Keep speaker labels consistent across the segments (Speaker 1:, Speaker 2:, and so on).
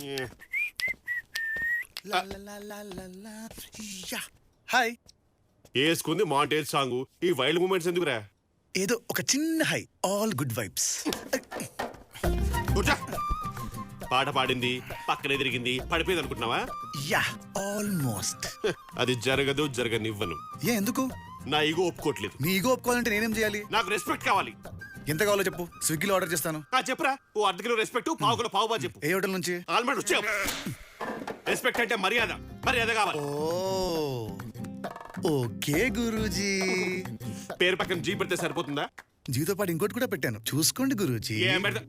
Speaker 1: Hi.
Speaker 2: వేసుకుంది montage song. ఈ wild moments ఎందుకురా?
Speaker 1: ఏదో ఒక చిన్న హై, ఆల్ గుడ్ వైబ్స్.
Speaker 2: కూర్చో. పాట పాడింది, పక్కనే తిరిగింది, పడిపోయింది అనుకుంటున్నావా?
Speaker 1: Yeah, almost.
Speaker 2: అది జరగనివ్వను.
Speaker 1: ఎందుకు?
Speaker 2: నా ఈగో ఒప్పుకోవట్లేదు.
Speaker 1: నీ ఈగో ఒప్పుకోవాలంటే నేనేం చేయాలి?
Speaker 2: నాకు రెస్పెక్ట్ కావాలి.
Speaker 1: ఎంత కావాలో చెప్పు, స్విగ్గీలో ఆర్డర్ చేస్తాను.
Speaker 2: చెప్పురా. ఓ అర్ధ కిలో రెస్పెక్ట్, పావు కిలో పావు బా చెప్పు.
Speaker 1: ఏ హోటల్ నుంచి?
Speaker 2: ఆల్మండ్ వచ్చే. రెస్పెక్ట్ అంటే మర్యాద, మర్యాద కావాలి.
Speaker 1: ఓకే గురూజీ.
Speaker 2: పేరు పక్కన జీ పెడితే సరిపోతుందా?
Speaker 1: జీతో పాటు ఇంకోటి కూడా పెట్టాను, చూసుకోండి గురూజీ.
Speaker 2: ఏం పెడతా?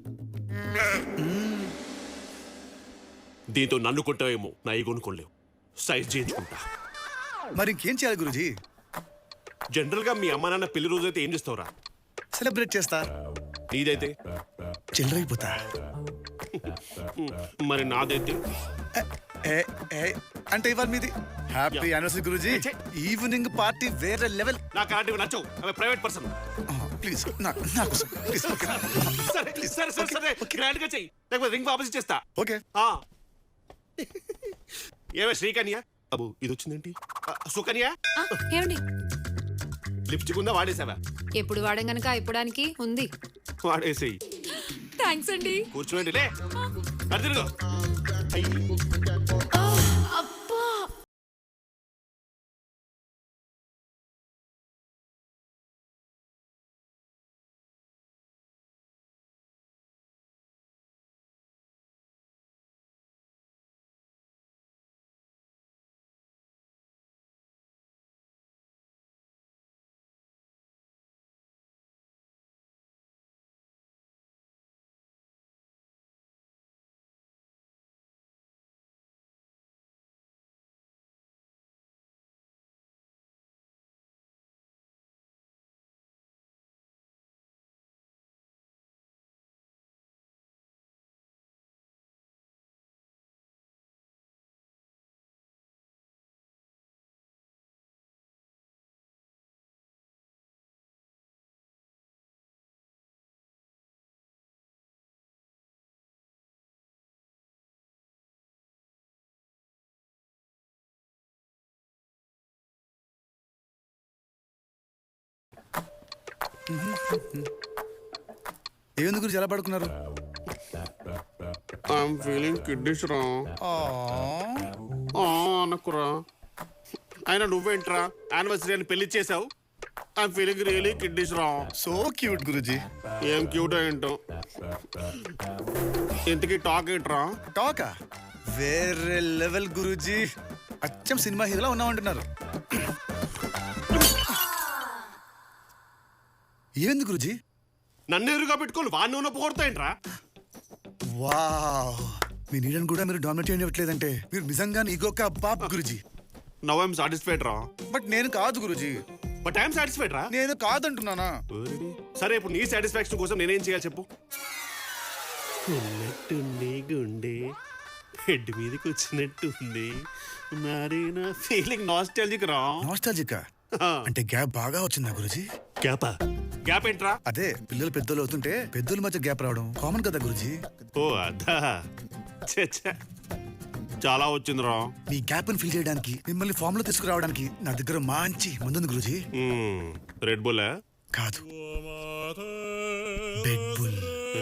Speaker 2: దీంతో నన్ను కొంటావేమో, నా ఈగోను కొనలేవు. సైజ్ చేయించుకుంటా.
Speaker 1: మరి ఇంకేం చేయాలి గురూజీ?
Speaker 2: జనరల్ గా మీ అమ్మ నాన్న పెళ్లి రోజు అయితే ఏం చేస్తావురా?
Speaker 1: సెలబ్రేట్ చేస్తా.
Speaker 2: నీదైతే?
Speaker 1: చిల్లరైపోతా.
Speaker 2: మరి నాదైతే?
Speaker 1: అంటే ఇవాళ మీది. హ్యాపీ యానివర్సరీ గురూజీ. ఈవినింగ్ పార్టీ వేరే లెవెల్.
Speaker 2: నాకు అలాంటివి నచ్చవు, అవి ప్రైవేట్ పర్సన్.
Speaker 1: ప్లీజ్
Speaker 2: సరే గ్రాండ్ గా చెయ్యి, లేకపోతే రింగ్ వాపస్ చేస్తా.
Speaker 1: ఓకే.
Speaker 2: ఏమే శ్రీకన్య బాబు, ఇది వచ్చిందేంటి? సుకన్య,
Speaker 3: ఏమండి
Speaker 2: లిప్స్టిక్ ఉందా? వాడేసావా?
Speaker 3: ఎప్పుడు వాడం గనక అయిపోవడానికి ఉంది.
Speaker 2: వాడేసేయి.
Speaker 3: థ్యాంక్స్ అండి.
Speaker 2: కూర్చోండి. లే అదిరుగో.
Speaker 3: అబ్బా,
Speaker 1: ఏముంది గురించి ఎలా పడుకున్నారు?
Speaker 2: ఐఎమ్ ఫీలింగ్ కిడ్నీస్ రా. అనకురా. అయినా నువ్వేంట్రా యానివర్సరీ అని పెళ్లి చేసావు? ఐఎమ్ ఫీలింగ్ రియలీ కిడ్నీస్ రా.
Speaker 1: సో క్యూట్ గురూజీ.
Speaker 2: ఏం క్యూట్ ఏంటో. ఇంతకీ టాక్ ఏంట్రా?
Speaker 1: టాకా వేరే లెవెల్ గురూజీ. అచ్చం సినిమా హీరోలా ఉన్నామంటున్నారు. ఏంది గురూజీ?
Speaker 2: నన్ను ఎదురుగా పెట్టుకోవాలి, వాడిని ఉన్న పోగొడతాయంట్రా.
Speaker 1: వావ్, మీ నీడని కూడా మీరు డామినేట్ చేయట్లేదంటే మీరు నిజంగా ఈగోక బాబ్ గురూజీ.
Speaker 2: నవ్ ఐఎమ్ సాటిస్ఫైడ్ రా.
Speaker 1: బట్ నేను కాదు గురూజీ.
Speaker 2: బట్ ఐఎమ్ సాటిస్ఫైడ్ రా.
Speaker 1: నేను కాదంటున్నానా?
Speaker 2: సరే, ఇప్పుడు నీ సాటిస్ఫాక్షన్ కోసం నేనేం చేయాలి చెప్పు? ఉన్నట్టుంది గుండె, హెడ్ మీదకి వచ్చినట్టుంది, మరి నా ఫీలింగ్ నాస్టాల్జిక్ రా.
Speaker 1: నాస్టాల్జిక్ అంటే గ్యాప్ బాగా వచ్చిందా గురూజీ?
Speaker 2: గ్యాపా? గ్యాప్ ఏంట్రా?
Speaker 1: అదే పిల్లలు పెద్దలు అవుతుంటే పెద్దల మధ్య గ్యాప్ రావడం కామన్ కదా గురూజీ.
Speaker 2: ఓ అదా, చాలా వచ్చిందిరా.
Speaker 1: మీ గ్యాప్ ని ఫిల్ చేయడానికి, మిమ్మల్ని ఫామ్ లో తీసుకురావడానికి నా దగ్గర మంచి మందుంది గురూజీ.
Speaker 2: రెడ్ బుల్
Speaker 1: కాదు, బెడ్ బుల్.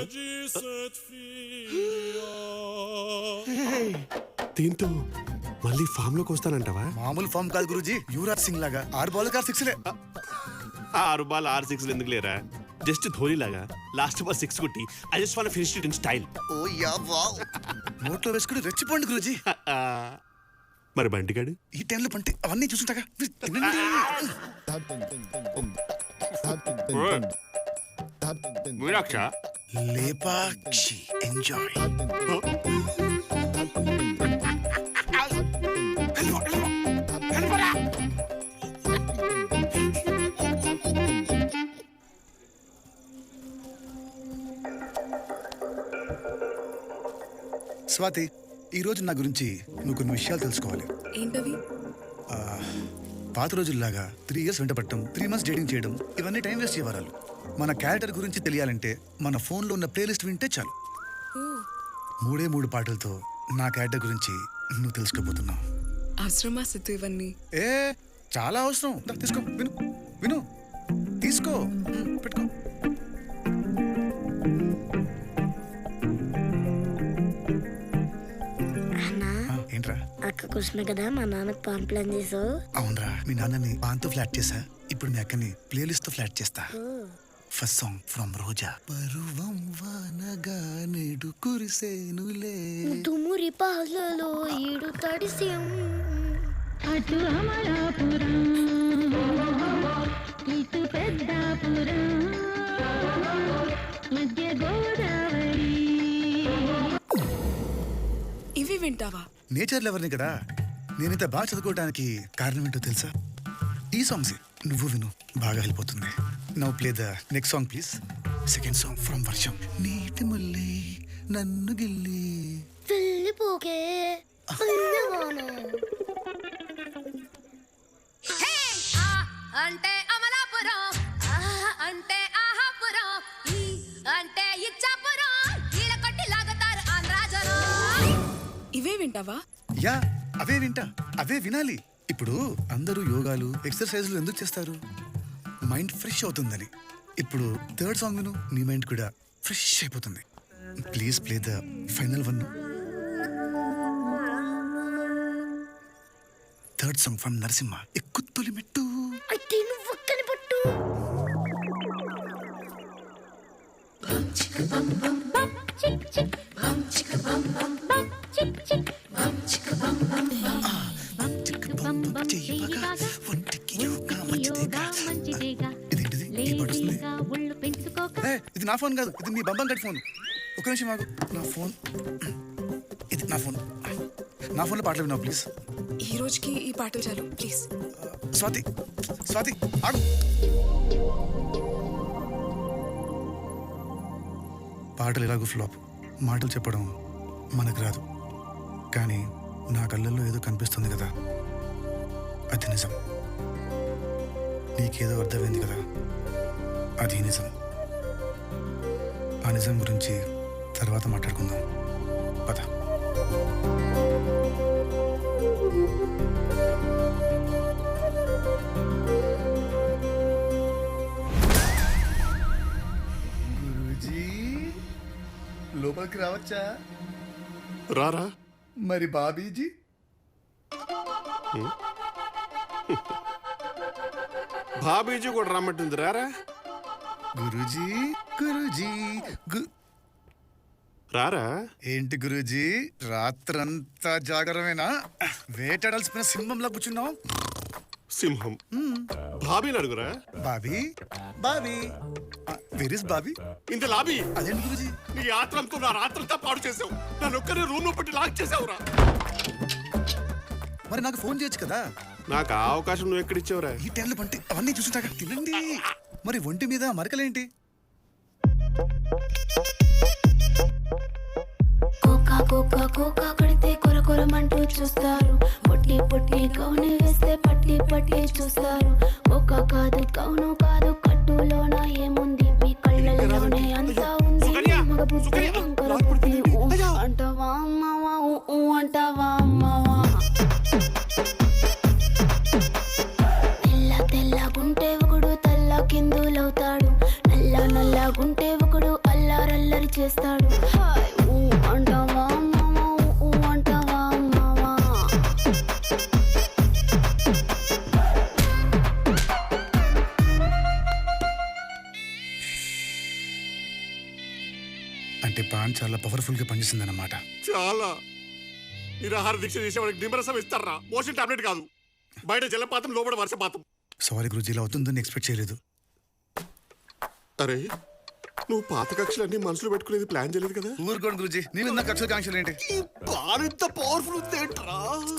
Speaker 2: దీంతో మళ్ళీ ఫామ్ లోకి వస్తానంటావా?
Speaker 1: మామూలు ఫామ్ కాదు గురూజీ, యువరాజ్ సింగ్ లాగా 6 బాల్ 6 లే.
Speaker 2: 6 బాల్ 6 6 ఎందుకు లేరా? జస్ట్ ధోని లాగా లాస్ట్ బాల్ 6 కొట్టి I just want finish it in style.
Speaker 1: Oh yeah wow. నోట్లో వేసుకుని రెచ్చిపోండి గురూజీ.
Speaker 2: మరి బంటిగాడు
Speaker 1: ఈ టైంలో పంటే అవన్నీ చూసుంటాగా.
Speaker 2: మీనాక్ష,
Speaker 1: లేపాక్షి ఎంజాయ్. స్వాతి, ఈరోజు నా గురించి నువ్వు కొన్ని విషయాలు తెలుసుకోవాలి.
Speaker 3: ఏంటవి?
Speaker 1: పాత రోజుల్లాగా 3 years వెంట పట్టడం, 3 months డేటింగ్ చేయడం, ఇవన్నీ టైం వేస్ట్ చేయవరాలు. మన క్యారెక్టర్ గురించి తెలియాలంటే మన ఫోన్లో ఉన్న ప్లేలిస్ట్ వింటే చాలు. 3 పాటలతో నా క్యారెక్టర్ గురించి నువ్వు తెలుసుకోబోతున్నావు.
Speaker 4: అవసరమా సిద్ధు ఇవన్నీ?
Speaker 1: ఏ చాలా అవసరం. దా, తీసుకో, విను విను, తీసుకో, పెట్టుకో. ఏంట్రా?
Speaker 5: అక్క కృష్ణ కదా మా నాన్నకు పాన్ ప్లాన్ చేసావు.
Speaker 1: అవునరా, మీ నాన్నని పాన్తో ఫ్లాట్ చేసా. ఇప్పుడు మీ అక్కని ప్లేలిస్ట్ తో ఫ్లాట్ చేస్తా. First song from Roja. పరువం వానగా నేడు కురిసేనులే,
Speaker 5: తుమ్మురి పాలలో ఈడు తడిసియం.
Speaker 6: అటు అమలాపురం ఇటు పెద్దాపురం మధ్య గోదావరి.
Speaker 4: ఇవి వింటావా?
Speaker 1: నేచర్ లెవర్ని కదా. నేనైతే బాగా చదువుకోవడానికి కారణం ఏంటో తెలుసా? ఈ సాంగ్స్ నువ్వు విను, బాగా హెల్ప్ అవుతుంది. Now play the next song please. Second song from Varsham. నీటి ముల్లి నన్ను గిల్లి
Speaker 5: వెళ్ళిపోకే
Speaker 3: అంటే అమలాపురం, అంటే ఆహాపురం, అంటే ఇచ్చాపురం, ఈల కొట్టి లాగుతారు ఆంధ్రాజనం.
Speaker 4: ఇవే వింటావా?
Speaker 1: యా, అవే వింటా, అవే వినాలి. ఇప్పుడు అందరూ యోగాలు ఎక్సర్సైజ్లు ఎందుకు చేస్తారు? మైండ్ ఫ్రెష్ అవుతుందని. ఇప్పుడు థర్డ్ సాంగ్ విను, నీ మైండ్ కూడా ఫ్రెష్ అయిపోతుంది. Please play the final one. Third song from Narasimha. ఎక్కు తొలి మెట్టు.
Speaker 5: అయితే నువ్వు ఒక్కని పట్టు.
Speaker 1: ఒంటికి యోగా మంచిదేగా.
Speaker 6: మంచిదేగా
Speaker 1: ఇదేంటిది? ఈ పాట వస్తుంది.
Speaker 6: లేజీగా ఒళ్ళు పెంచుకోక.
Speaker 1: ఏ, ఇది నా ఫోన్ కాదు, ఇది మీ బంబం గడి ఫోన్. ఒక నిమిషం ఆగు. నా ఫోన్, ఇది నా ఫోన్. నా ఫోన్లో పాటలు విన్నావు ప్లీజ్.
Speaker 4: ఈ రోజుకి ఈ పాటలు చాలు ప్లీజ్.
Speaker 1: స్వాతి, స్వాతి ఆగు. పాటలు ఎలాగో ఫ్లాప్. మాటలు చెప్పడం మనకు రాదు, కానీ నా కళ్ళల్లో ఏదో కనిపిస్తుంది కదా, అది నిజం. నీకేదో అర్థమైంది కదా, అది నిజం. ఆ నిజం గురించి తర్వాత మాట్లాడుకుందాం, పద. గురూజీ, లోపలికి రావచ్చా?
Speaker 2: రారా.
Speaker 1: మరి బాబీజీ?
Speaker 2: బాబీజీ కూడా రమ్మంటుంది, రారా.
Speaker 1: గురూజీ, గురూజీ,
Speaker 2: రారా.
Speaker 1: ఏంటి గురూజీ, రాత్రంతా జాగరమేనా? వేటాడాల్సిన సింహంలా కూర్చున్నావు.
Speaker 2: సింహం బాబీని అడుగురా.
Speaker 1: Bobby, Bobby, where is Bobby?
Speaker 2: ఇంత లాబీ.
Speaker 1: అదేంటి గురూజీ?
Speaker 2: నీ ఆత్రంతో నా రాత్రంతా పాడు చేసావు. నన్ను ఒక్కనే రూమ్ లో పెట్టి లాక్ చేసావురా.
Speaker 1: మరి నాకు ఫోన్ చేయొచ్చు కదా.
Speaker 2: నాకు ఆ అవకాశం నువ్వు ఎక్కడిచ్చావురా?
Speaker 1: ఈ టైంలో పంటి అవన్నీ చూసుంటాక తినండి. మరి ఒంటి మీద మరకలేంటి?
Speaker 7: కోకా కోకా కోకా కడితే కొర కొరమంటూ చూస్తారు. పొట్టి పొట్టి కౌని వేస్తే పట్టి పట్టి చూస్తారు. కోకా కాదు కౌను కాదు, కట్టులోన ఏముంది? మీ కళ్ళల్లోనే అంతా ఉంది. మగ బుద్ధి వంకర బుద్ధి. అంటావా అమ్మవా, అంటావా అమ్మవా? తెల్ల తెల్లగుంటే ఒకడు తల్ల కిందులవుతాడు. నల్ల నల్లగుంటే ఒకడు అల్లారల్లరి చేస్తాడు. హాయ్ ఊ అంటావా అమ్మవా, ఊ అంటావా అమ్మవా?
Speaker 1: అంటే పాన్ చాలా పవర్ఫుల్ గా పనిచేసింది అన్నమాట.
Speaker 2: చాలా. నిరాహార దీక్ష చేసేవాడికి నిమ్మరసం ఇస్తారా? మోషన్ టాబ్లెట్ కాదు. బయట జలపాతం, లోపల వర్షపాతం.
Speaker 1: సారీ గురూజీ, ఇలా అవుతుందని ఎక్స్పెక్ట్ చేయలేదు.
Speaker 2: అరే, నువ్వు పాత కక్షలన్నీ మనసులో పెట్టుకునేది ప్లాన్ చేయలేదు కదా?
Speaker 1: ఊరుకోండి గురూజీ, నేను నా కక్షల కాంక్షలు ఏంటి?
Speaker 2: ఈ ప్లాన్ ఎంత పవర్ఫుల్ ఉందేంట్రా?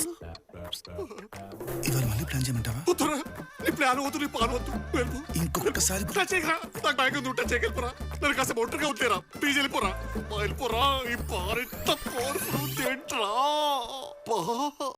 Speaker 1: ఇవాళ మళ్ళీ ప్లాన్ చేయమంటావా?
Speaker 2: వద్దురా, నీ ప్లాన్ వద్దు, నీ ప్లాన్ వద్దు. వెళ్ళిపో.
Speaker 1: ఇంకొకసారి
Speaker 2: టచ్ చేయకురా. నాకు భయం ఉంది, టచ్ చేయగలిపోరా. నన్ను కాస్త ఒంటరిగా ఉంటేరా. ప్లీజ్ వెళ్ళిపోరా, వెళ్ళిపోరా. ఈ ప్లాన్ ఎంత పవర్ఫుల్ ఉందేంట్రా?